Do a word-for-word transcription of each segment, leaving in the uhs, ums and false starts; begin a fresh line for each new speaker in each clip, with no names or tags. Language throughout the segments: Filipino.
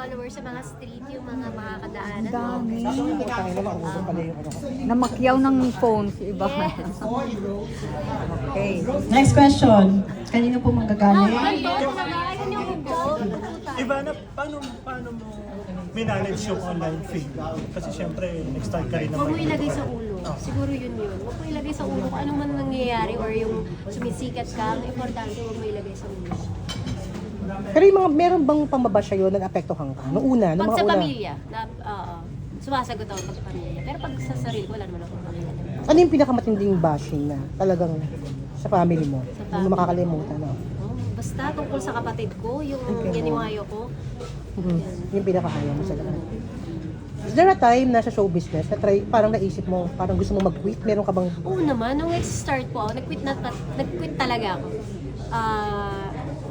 followers sa mga street, yung mga makakadaanan.
Dami.
Tayo na maubos pala yung ano.
Namakyaw ng phone si iba.
Yes.
Okay.
Next question. Kanino po manggagaling?
Ito, nagayon yung hubo.
Ivana, paano, paano mo minanage yung online fame? Kasi syempre, nag-start ka rin
Huwag mo
naman.
ilagay sa ulo. Siguro yun yun. Huwag mo ilagay sa ulo kung ano man nangyayari or yung sumisikat ka. Ang importante, huwag mo ilagay sa ulo.
Pero yung mga, meron bang pamabasya yun na naapektuhan ka? Noong una, noong
Pag
mga
sa
una.
pamilya, na, oo, sumasagot ako pag sa pamilya. Pero pag sa sarili, wala naman akong pamilya.
Ano yung pinakamatinding bashing na talagang sa family mo?
Sa
Hindi mo
family.
makakalimutan, no?
Oh, basta tungkol sa kapatid ko, yung
Okay.
yaniwayo ko.
Mhm. Yung pinakahayaw mo sa lahat. Is there a time na sa show business na try, parang naisip mo, parang gusto mo mag-quit? Meron ka bang...
Oo naman, nung nag-start po ako, nag-quit, na, nag-quit talaga ako. Ah...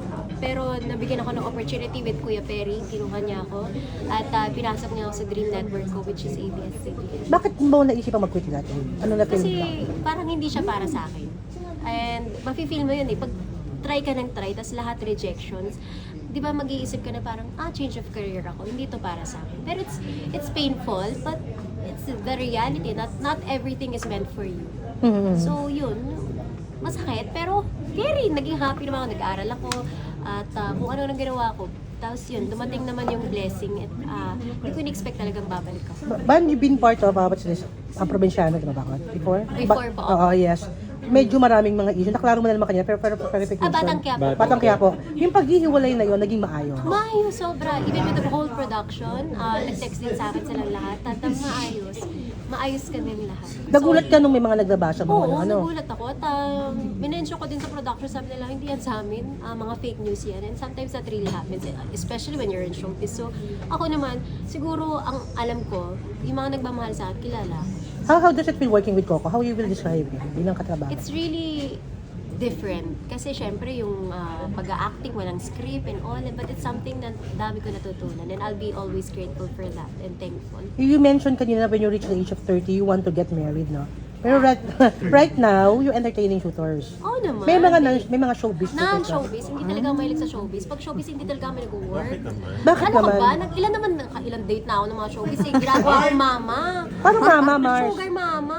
pero nabigyan ako ng opportunity with Kuya Perry, kinuha niya ako at ah, pinasok niya ako sa Dream Network ko, which is A B S C B N.
Bakit mo naisip ang mag-quit dati? Ano na feel
Kasi
mo?
parang hindi siya para sa akin. And mafe-feel mo yun eh, pag try ka ng try, tas lahat rejections, di ba mag-iisip ka na parang, ah, change of career ako, hindi to para sa akin. Pero it's it's painful, but it's the reality that not everything is meant for you.
Mhm.
So yun, masakit, pero very, naging happy naman ako, nag-aaral ako, at uh, kung ano nang ginawa ko. Tapos yun, dumating naman yung blessing at uh, hindi ko in-expect talagang babalik ako.
Ba- Ban, you've been part of, uh, what's this, ang probinsyano, di ba ba? Before?
Before po.
Oo, yes. Medyo maraming mga issue. Naklaro mo na naman kanina, pero pero verification.
Ah, Batang Quiapo.
Batang Quiapo. Yung paghihiwalay na yun, naging maayos.
Maayos, sobra. Even with the whole production, uh, nag-text din sa akin silang lahat. At ang maayos, maayos kami lahat.
Nagulat ka nung may mga nagbabasa mo,
Oo,
ano, ano?
nagulat ako. At um, minensyon ko din sa production, sabi nila, hindi yan sa amin, ah, mga fake news yan. And sometimes that really happens, especially when you're in showbiz. So, ako naman, siguro ang alam ko, yung mga nagmamahal sa akin, kilala.
How, how does it feel working with Coco? How you will describe it bilang katrabaho?
It's really different. Kasi syempre yung uh, pag-acting, walang script and all, but it's something na dami ko natutunan. And I'll be always grateful for that and thankful.
You mentioned kanina when you reach the age of thirty, you want to get married, no? Pero right, right now, you're entertaining shooters.
Oo naman.
May mga nan- may mga showbiz shooters. no?
Non-showbiz, hindi talaga ako mahilig sa showbiz. Pag showbiz, hindi talaga kami nag-work.
Bakit
Ano ka
naman?
ba? Nag, ilan naman, ilang date na ako ng mga showbiz. Eh, ginagawa akong mama.
Paano mama, Mars?
Sugar mama.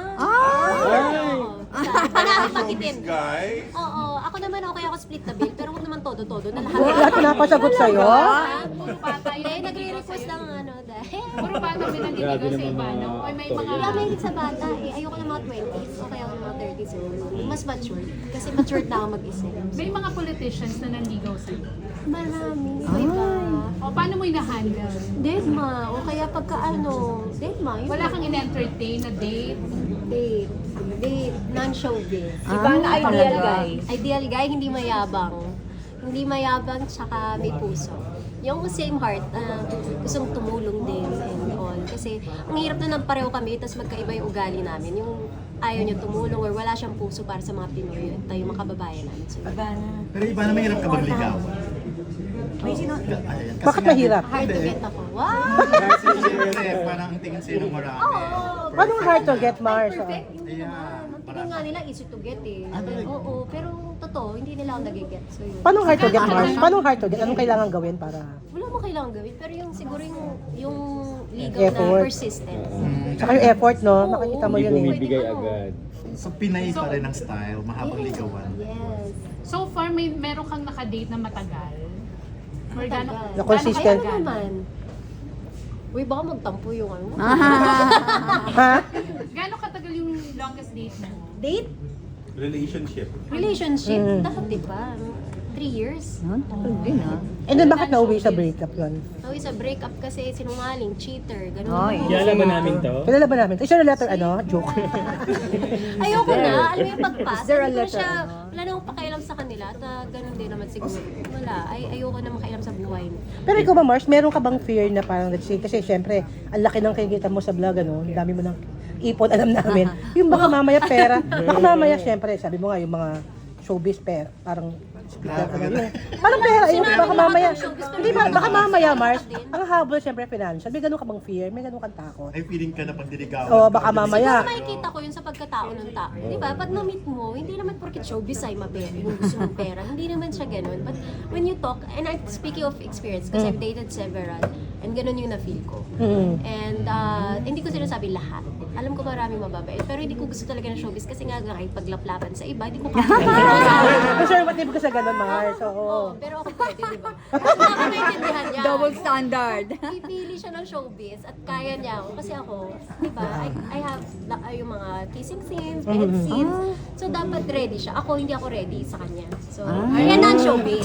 Ay!
Ay! Namin pagitin.
Guy?
Oo, ako naman okay ako split the bill, pero huwag naman todo-todo na lahat.
Lahat pinapasagot sa'yo?
Puro bata yun. Hindi, nagre-request lang ano dahil.
Puro bata pinaniligaw sa iba, no? O may mga...
Kaya mahilig sa bata eh. Ayoko ng mga twenties, okay ako ng mga thirties. Mas matured. Kasi matured na ako mag-isip.
May mga politicians na nanligaw sa'yo.
Marami. Iba.
O paano mo ina-handle?
Deadma. O kaya pagka ano, Deadma. Yun.
Wala kang in-entertain na date?
Date. Date. Non-showbiz.
Iba na ideal guy.
Ideal guy, hindi mayabang. Hindi mayabang, tsaka may puso. Yung same heart, uh, gustong tumulong din and all. Kasi ang hirap na nang pareho kami, tapos magkaiba yung ugali namin. Yung ayaw niya tumulong or wala siyang puso para sa mga Pinoy at tayo mga kababayan namin. So,
Pero iba na mahirap ka magligawan. May sino?
Bakit mahirap?
hard to get ako. Wow!
Kasi siyempre, parang ang tingin sa'yo ng marami.
Oo!
Paano hard to get, Mars?
Perfect, hindi
Yeah.
naman. Ang tingin nga nila, easy to get eh. Oo, pero totoo, hindi nila ako nag-get. So yun.
Paano hard to get, Mars? Paano hard to get? Anong kailangan gawin para...
Wala mo kailangan gawin, pero yung siguro yung, yung legal
Effort.
na persistence.
Saka yung effort, no?
Oo.
Nakikita mo yun eh.
Bumibigay
Pwede, ano.
agad.
So, Pinay pa rin ang style, mahabang
Yes.
ligawan.
Yes.
So far, may meron kang nakadate na matagal? Or
Matagal.
gano'n-
Na consistent.
Kaya naman. Uy, baka magtampo yung ano.
Ha?
Gano'ng katagal yung longest date mo?
Date?
Relationship.
Relationship?
Mm.
Dapat diba? Three years?
Huh? Tagal din ah.
And then bakit nauwi sa breakup yun?
So, isa breakup kasi sinungaling, cheater, gano'n.
Ay.
Kilala ba namin to?
Kilala ba namin? Isa na letter, ano? Joke.
Ayoko na, alam mo yung pagpas.
Is there a
Hindi ko
letter,
siya,
ano?
wala na akong pakialam sa kanila at uh, ganun din naman siguro. Wala, ay ayoko na makialam sa buhay nila.
Pero ikaw ba, Mars, meron ka bang fear na parang, let's say, kasi syempre, ang laki ng kinikita mo sa vlog, ano? Ang dami mo ng ipon, alam namin. Yung baka mamaya pera, baka mamaya, syempre, sabi mo nga, yung mga showbiz pera, parang
Grabe ka na.
Parang pera, yun,
Sinabi
baka
na
mamaya,
ako ng showbiz, pero
hindi ba, baka
hindi
mamaya,
ako
Mars,
din.
ang habol syempre financial, may ganun ka bang fear, may ganun kang takot.
Ay, feeling ka na pag diligawan.
Oo, baka mamaya.
Siguro makikita ko yun sa pagkatao ng tao. Di ba? Pag na-meet mo, hindi naman porket showbiz ay mapera, yung gusto mong pera. Hindi naman siya ganun. But when you talk, and I'm speaking of experience, kasi I've dated several, and ganun yung na-feel ko.
Mm.
And uh, hindi ko sinasabi lahat. Alam ko maraming mababait, pero hindi ko gusto talaga ng showbiz kasi nga kahit paglaplapan sa iba, hindi ko kaya.
Conservative ka sa ganun, Mars, oo.
Oo, pero ako pwede, di ba? Kasi ako naiintindihan niya.
Double standard.
Pipili siya ng showbiz at kaya niya ako. Kasi ako, di ba, I, I have la, yung mga kissing scenes, bed scenes. So, dapat ready siya. Ako, hindi ako ready sa kanya. So, yan ang showbiz.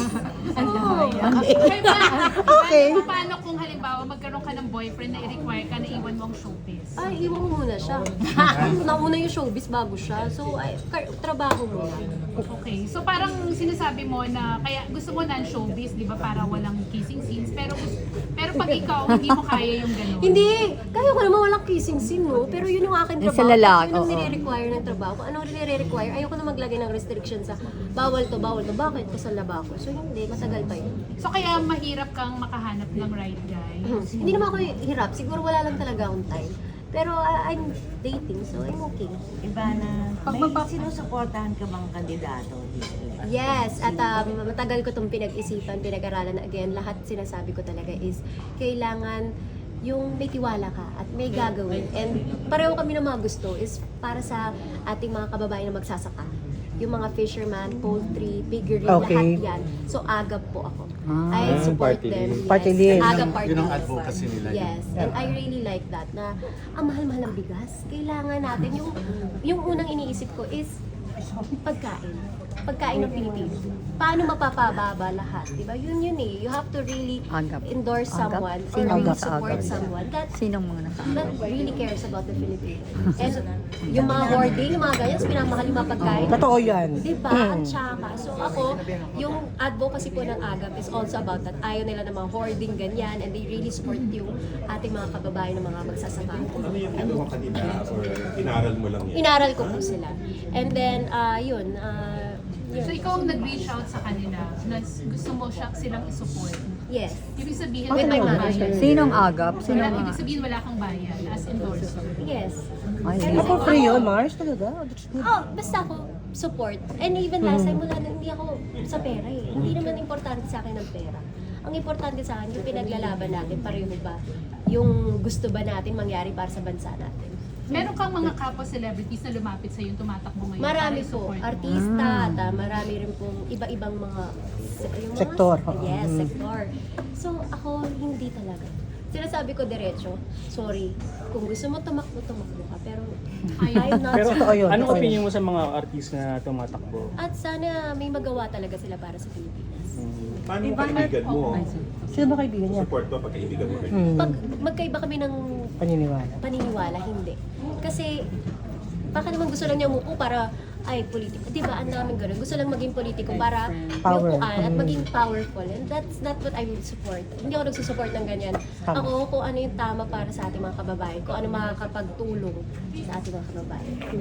Oo.
Kaya ba,
Okay.
paano, paano kung halimbawa magkaroon ka ng boyfriend na i-require ka na iwan mo ang showbiz?
Ay, iwan mo muna siya. Nauna yung showbiz bago siya. So, ay, kar- trabaho muna.
Okay. So parang sinasabi mo na kaya gusto mo ng showbiz, di ba, para walang kissing scenes. Pero pero pag ikaw, hindi mo kaya yung gano'n.
Hindi! Kaya ko naman walang kissing scene, no? Pero yun yung akin
Yung
trabaho.
sa lalaki,
Yun ang
oo.
nire-require ng trabaho. Kung anong nire-require, ayoko na maglagay ng restriction sa bawal to, bawal to. Bakit? Kasal na ba ako? So hindi, matagal pa yun.
So kaya mahirap kang makahanap ng right guy.
Hindi naman ako hirap. Siguro wala lang talaga akong time. Pero uh, I'm dating, so I'm okay.
Ivana,
Pag
may
magpa-
sinusuportahan ka bang kandidato dito?
Yes, at um, matagal ko itong pinag-isipan, pinag-aralan. Again, lahat sinasabi ko talaga is kailangan yung may tiwala ka at may gagawin. And pareho kami ng mga gusto is para sa ating mga kababayan na magsasaka. Yung mga fisherman, poultry, piggery,
Okay.
lahat yan. So, agap po ako.
Ah.
I support
Party
them.
list.
Yes.
Party list.
Agap party
Yun ang
list.
advocacy nila.
Yes, and I really like that na ang mahal-mahal ng bigas. Kailangan natin, yung, yung unang iniisip ko is pagkain. Pagkain ng Pilipino. Paano mapapababa lahat? Diba? Yun yun eh. You have to really
Agap.
endorse
Agap?
someone or
Sino
really
agap?
support
Agap.
someone that
Sinong mga nasa?
that really cares about the Philippines. And yung mga hoarding, yung mga ganyan, pinamahal yung mga pagkain.
Totoo yan.
Diba? At saka, so ako, yung advocacy po ng AGAP is also about that. Ayaw nila ng mga hoarding ganyan and they really support yung ating mga kababayan ng mga magsasaka.
Ano yung kinuha kanina or inaral mo lang yan?
Inaral ko po sila. And then, ah yun, ah yun.
So ikaw ang nag-reach out sa kanila na gusto mo siya silang isupport.
Yes.
Ibig sabihin,
With my
wala kang
manager.
bayad.
Sinong agap?
Wala,
Sinong
ibig
mga?
sabihin wala kang bayad as endorser.
Yes.
Ay,
Ah, for free yun, Mars, talaga. That's good.
Oh, basta ako support. And even last time, wala na, hindi ako sa pera eh. Hindi naman importante sa akin ang pera. Ang importante sa akin, yung pinaglalaban natin, pareho ba? Yung gusto ba natin mangyari para sa bansa natin?
Meron kang mga kapwa celebrities na lumapit sa yung tumatakbo ngayon.
Marami
para
po,
i-support mo.
artista, at ah, marami rin pong iba-ibang mga, se- yung mga
Sektor.
Yes,
Mm.
sektor. So ako, hindi talaga. Sinasabi ko diretso, sorry, kung gusto mo tumakbo, tumakbo ka. Pero I'm not
Pero
Totoo yun,
anong
totoo
opinion mo sa mga artist na tumatakbo?
At sana may magawa talaga sila para sa Pilipinas.
Paano mo kaibigan mo?
Sino ba kaibigan niya?
Support mo pag kaibigan mo kayo?
Hmm.
Pag magkaiba kami ng
Paniniwala.
paniniwala, hindi. Kasi baka naman gusto lang niya umupo para ay politiko. Di ba? Ang daming ganun. Gusto lang maging politiko para
Power.
upuan at
Mm.
maging powerful. And that's not what I would support. Hindi ako nagsusupport ng ganyan.
Tama.
Ako kung ano yung tama para sa ating mga kababayan, kung ano makakapagtulong sa ating mga kababayan.